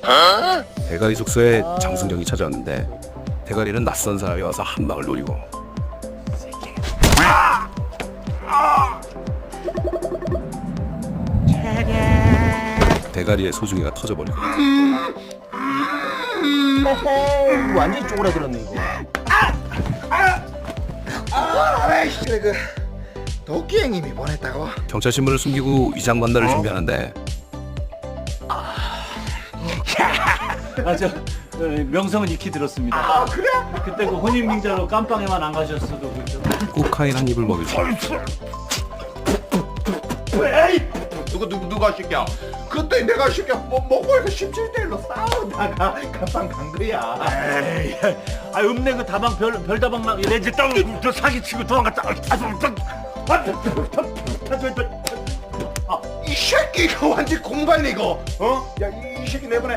대가리 숙소에 장승정이 찾아왔는데 대가리는 낯선 사람이 와서 한 방을 노리고 대가리에 소중이가 터져버리고 어허, 완전히 쪼그라들었네 이거. 그래 그 도끼 형님이 보냈다고? 경찰 신문을 숨기고 위장 관달을 준비하는데 명성은 익히 들었습니다. 아 그래? 그때 그 혼인빙자로 깜빵에만 안 가셨어도 그죠? 코카인 한 입을 먹이고 에이 누가 시켜? 그때 내가 시켜 먹고 이거 17대1로 싸우다가 갑방 간 거야. 에이, 읍내 그 다방 별다방 레지 땅저 사기치고 도망갔다. 이 새끼 이거 완전 공발이고 어? 야 이 새끼 내보내